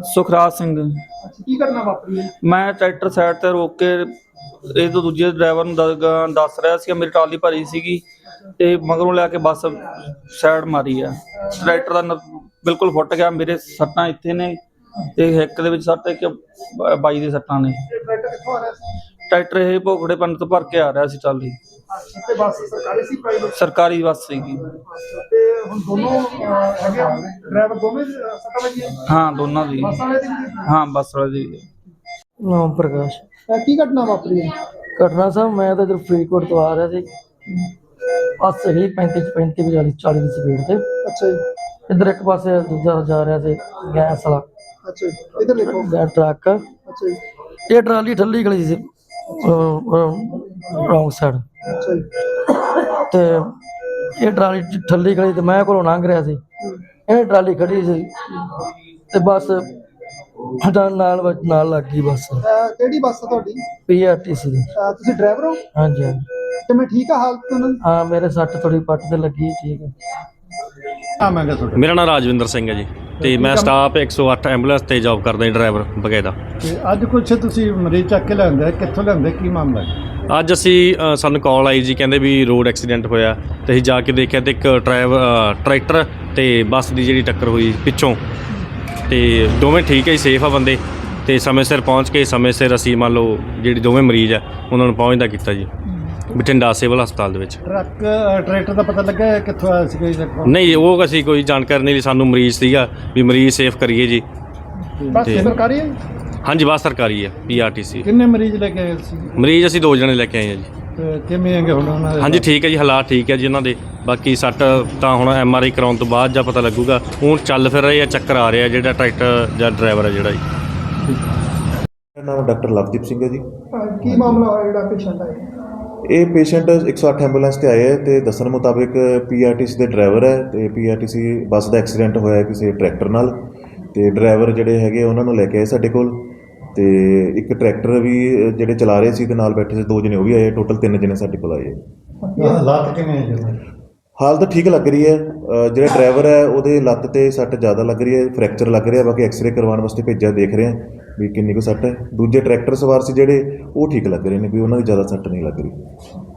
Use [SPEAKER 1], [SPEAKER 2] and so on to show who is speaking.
[SPEAKER 1] ਸੁਖਰਾਜ ਸਿੰਘ।
[SPEAKER 2] ਕੀ ਘਟਨਾ ਵਾਪਰੀ ਹੈ?
[SPEAKER 1] ਮੈਂ ਟਰੈਕਟਰ ਸਾਈਡ ਤੇ ਰੋਕ ਕੇ ਇਹ ਤੋਂ ਦੂਜੇ ਡਰਾਈਵਰ ਨੂੰ ਦੱਸ ਰਿਹਾ ਸੀ ਮੇਰੀ ਟਰਾਲੀ ਭਰੀ ਸੀਗੀ ਤੇ ਮਗਰੋਂ ਲੈ ਕੇ ਬੱਸ ਸਾਈਡ ਮਾਰੀ ਆ। ਟਰੈਕਟਰ ਦਾ ਬਿਲਕੁਲ ਫੁੱਟ ਗਿਆ। ਮੇਰੇ ਸੱਟਾਂ ਇੱਥੇ ਨੇ ਤੇ ਹਿੱਕ ਦੇ ਵਿੱਚ ਸੱਟ ਇੱਕ ਬਾਈ ਦੇ ਸੱਟਾਂ ਨੇ।
[SPEAKER 2] ਟਰੈਕਟਰ ਕਿੱਥੋਂ ਆ ਰਿਹਾ ਸੀ?
[SPEAKER 1] ਟਰੈਕਟਰ ਇਹ ਭੋਗੜੇ ਪਿੰਡ ਤੋਂ ਭਰ ਕੇ ਆ ਰਿਹਾ ਸੀ ਟਰਾਲੀ।
[SPEAKER 2] ਤੇ ਬੱਸ ਸਰਕਾਰੀ ਸੀ ਪ੍ਰਾਈਵੇਟ?
[SPEAKER 1] ਸਰਕਾਰੀ ਬੱਸ ਸੀਗੀ।
[SPEAKER 2] ਤੇ ਹੁਣ ਦੋਨੋਂ ਹੈਗੇ ਡਰਾਈਵਰ ਦੋਵੇਂ ਸੱਟਾਂ ਵੱਜੀਆਂ?
[SPEAKER 1] ਹਾਂ ਦੋਨਾਂ ਦੀ।
[SPEAKER 2] ਬੱਸ ਵਾਲੇ ਦੀ ਵੀ?
[SPEAKER 1] ਹਾਂ ਬੱਸ ਵਾਲੇ ਦੀ।
[SPEAKER 3] ਨਾਮ ਪ੍ਰਕਾਸ਼।
[SPEAKER 2] ਕੀ ਘਟਨਾ ਵਾਪਰੀ ਹੈ?
[SPEAKER 3] ਘਟਨਾ ਸਾਹਿਬ ਮੈਂ ਤਾਂ ਇੱਧਰ ਫਰੀਦਕੋਟ ਤੋਂ ਆ ਰਿਹਾ ਸੀ। ਬੱਸ ਹੀ 35 40 ਦੀ ਸਪੀਡ ਤੇ।
[SPEAKER 2] ਅੱਛਾ ਜੀ।
[SPEAKER 3] ਇੱਧਰ ਇੱਕ ਪਾਸੇ ਦੂਜਾ ਜਾ ਰਿਹਾ ਸੀ ਗੈਸ ਵਾਲਾ।
[SPEAKER 2] ਅੱਛਾ ਜੀ, ਇੱਧਰ ਦੇਖੋ।
[SPEAKER 3] ਟਰੱਕ।
[SPEAKER 2] ਅੱਛਾ ਜੀ।
[SPEAKER 3] ਇਹ ਟਰਾਲੀ ਠੱਲੀ ਖੜੀ ਸੀ ਰੌਂਗ ਸਾਈਡ
[SPEAKER 2] ਅੱਛਾ ਜੀ।
[SPEAKER 3] ਤੇ ਇਹ ਟਰਾਲੀ ਠੱਲੀ ਖੜੀ ਤੇ ਮੈਂ ਕੋਲੋਂ ਲੰਘ ਰਿਹਾ ਸੀ। ਇਹ ਟਰਾਲੀ ਖੜੀ ਸੀ ਤੇ ਬੱਸ ਨਾਲ ਲੱਗ ਗਈ ਬੱਸ।
[SPEAKER 2] ਕਿਹੜੀ ਬੱਸ ਹੈ ਤੁਹਾਡੀ?
[SPEAKER 3] PRTC ਦੀ।
[SPEAKER 2] ਤੁਸੀਂ ਡਰਾਈਵਰ ਹੋ?
[SPEAKER 3] ਹਾਂਜੀ ਹਾਂਜੀ।
[SPEAKER 2] ਤੇ ਮੈਂ ਠੀਕ ਆ ਹਾਲਤ ਉਹਨਾਂ ਦੀ?
[SPEAKER 3] ਹਾਂ ਮੇਰੇ ਸੱਟ ਥੋੜੀ ਪੱਟ ਤੇ ਲੱਗੀ। ਠੀਕ ਹੈ।
[SPEAKER 4] ਮੇਰਾ ਨਾਮ ਰਾਜਵਿੰਦਰ ਸਿੰਘ ਹੈ ਜੀ ਤੇ ਮੈਂ ਸਟਾਫ 108 ਐਂਬੂਲੈਂਸ ਤੇ ਜੌਬ ਕਰਦਾ ਜੀ, ਡਰਾਈਵਰ ਬਕਾਇਦਾ।
[SPEAKER 5] ਤੇ ਅੱਜ ਕੁਛ ਤੁਸੀਂ ਮਰੀਜ਼ ਚੱਕ ਕੇ ਲਿਆਂਦੇ, ਕਿੱਥੋਂ ਲਿਆਂਦੇ, ਕੀ ਮਾਮਲਾ ਹੈ?
[SPEAKER 4] ਅੱਜ ਅਸੀਂ ਸਾਨੂੰ ਕਾਲ ਆਈ ਜੀ, ਕਹਿੰਦੇ ਵੀ ਰੋਡ ਐਕਸੀਡੈਂਟ ਹੋਇਆ ਤੇ ਅਸੀਂ ਜਾ ਕੇ ਦੇਖਿਆ ਤੇ ਇੱਕ ਟਰੈਕਟਰ ਤੇ ਬੱਸ ਦੀ ਜਿਹੜੀ ਟੱਕਰ ਹੋਈ ਪਿੱਛੋਂ, ਤੇ ਦੋਵੇਂ ਠੀਕ ਹੈ ਜੀ, ਸੇਫ ਆ ਬੰਦੇ ਤੇ ਸਮੇਂ ਸਿਰ ਪਹੁੰਚ ਕੇ ਸਮੇਂ ਸਿਰ ਅਸੀਂ ਮੰਨ ਲਓ ਜਿਹੜੀ ਦੋਵੇਂ ਮਰੀਜ਼ ਆ ਉਹਨਾਂ ਨੂੰ ਪਹੁੰਚਦਾ ਕੀਤਾ ਜੀ ਬਠਿੰਡਾ ਸਿਵਲ ਹਸਪਤਾਲ ਦੇ ਵਿੱਚ।
[SPEAKER 5] ਟਰੈਕਟਰ ਦਾ ਪਤਾ ਲੱਗਾ ਕਿੱਥੋਂ ਆਇਆ ਸੀ? ਕੋਈ
[SPEAKER 4] ਨਹੀਂ ਉਹ ਅਸੀਂ ਕੋਈ ਜਾਣਕਾਰੀ ਨਹੀਂ ਲਈ, ਸਾਨੂੰ ਮਰੀਜ਼ ਸੀਗਾ ਵੀ ਮਰੀਜ਼ ਸੇਫ ਕਰੀਏ ਜੀ।
[SPEAKER 5] ਬੱਸ ਸਰਕਾਰੀ ਹੈ?
[SPEAKER 4] ਹਾਂਜੀ ਬੱਸ ਸਰਕਾਰੀ ਹੈ PRTC।
[SPEAKER 5] ਕਿੰਨੇ ਮਰੀਜ਼ ਲੈ ਕੇ ਆਏ ਸੀ?
[SPEAKER 4] ਮਰੀਜ਼ ਅਸੀਂ 2 ਜਣੇ ਲੈ ਕੇ ਆਏ ਹਾਂ ਜੀ।
[SPEAKER 5] ਤੇ ਕਿਵੇਂ ਹੈਗੇ ਹੁਣ ਉਹਨਾਂ ਦੇ?
[SPEAKER 4] ਹਾਂਜੀ ਠੀਕ ਹੈ ਜੀ, ਹਾਲਾਤ ਠੀਕ ਹੈ ਜੀ ਉਹਨਾਂ ਦੇ। ਬਾਕੀ ਸੱਟ ਤਾਂ ਹੁਣ MRI ਕਰਾਉਣ ਤੋਂ ਬਾਅਦ ਜਾਂ ਪਤਾ ਲੱਗੂਗਾ। ਹੁਣ ਚੱਲ ਫਿਰ ਰਹੇ ਆ, ਚੱਕਰ ਆ ਰਿਹਾ ਜਿਹੜਾ ਟਰੈਕਟਰ ਜਾਂ ਡਰਾਈਵਰ ਹੈ ਜਿਹੜਾ ਜੀ।
[SPEAKER 6] ਮੇਰਾ ਨਾਮ ਡਾਕਟਰ ਲਵਦੀਪ ਸਿੰਘ ਹੈ ਜੀ।
[SPEAKER 2] ਕੀ ਮਾਮਲਾ ਹੋਇਆ ਜਿਹੜਾ ਪੇਸ਼ੈਂਟ ਆਇਆ?
[SPEAKER 6] ਇਹ ਪੇਸ਼ੈਂਟ 108 ਐਂਬੂਲੈਂਸ ਤੇ ਆਏ ਹੈ ਤੇ ਦੱਸਣ ਮੁਤਾਬਿਕ PRTC ਦੇ ਡਰਾਈਵਰ ਹੈ ਤੇ PRTC ਬੱਸ ਦਾ ਐਕਸੀਡੈਂਟ ਹੋਇਆ ਕਿਸੇ ਟਰੈਕਟਰ ਨਾਲ ਤੇ ਡਰਾਈਵਰ ਜਿਹੜੇ ਹੈਗੇ ਉਹਨਾਂ ਨੂੰ ਲੈ ਕੇ ਆਏ ਸਾਡੇ ਕੋਲ ਤੇ ਇੱਕ ਟਰੈਕਟਰ ਵੀ ਜਿਹੜੇ ਚਲਾ ਰਹੇ ਸੀ ਤੇ ਨਾਲ ਬੈਠੇ ਸੀ 2 ਜਣੇ ਉਹ ਵੀ ਆਏ, ਟੋਟਲ 3 ਜਣੇ ਸਾਡੇ ਕੋਲ ਆਏ।
[SPEAKER 5] ਹਾਲਾਤ ਕਿਵੇਂ ਹੈ ਜੀ?
[SPEAKER 6] ਹਾਲਤ ਠੀਕ ਲੱਗ ਰਹੀ ਹੈ। ਜਿਹੜਾ ਡਰਾਈਵਰ ਹੈ ਉਹਦੇ ਲੱਤ ਤੇ ਸੱਟ ਜ਼ਿਆਦਾ ਲੱਗ ਰਹੀ ਹੈ, ਫ੍ਰੈਕਚਰ ਲੱਗ ਰਿਹਾ। ਬਾਕੀ ਐਕਸਰੇ ਕਰਵਾਉਣ ਵਾਸਤੇ ਭੇਜਿਆ, ਦੇਖ ਰਹੇ ਹਾਂ ਵੀ ਕਿੰਨੀ ਕੁ ਸੱਟ ਹੈ। ਦੂਜੇ ਟਰੈਕਟਰ ਸਵਾਰ ਸੀ ਜਿਹੜੇ ਉਹ ਠੀਕ ਲੱਗ ਰਹੇ ਨੇ, ਵੀ ਉਹਨਾਂ ਦੀ ਜ਼ਿਆਦਾ ਸੱਟ ਨਹੀਂ ਲੱਗ ਰਹੀ।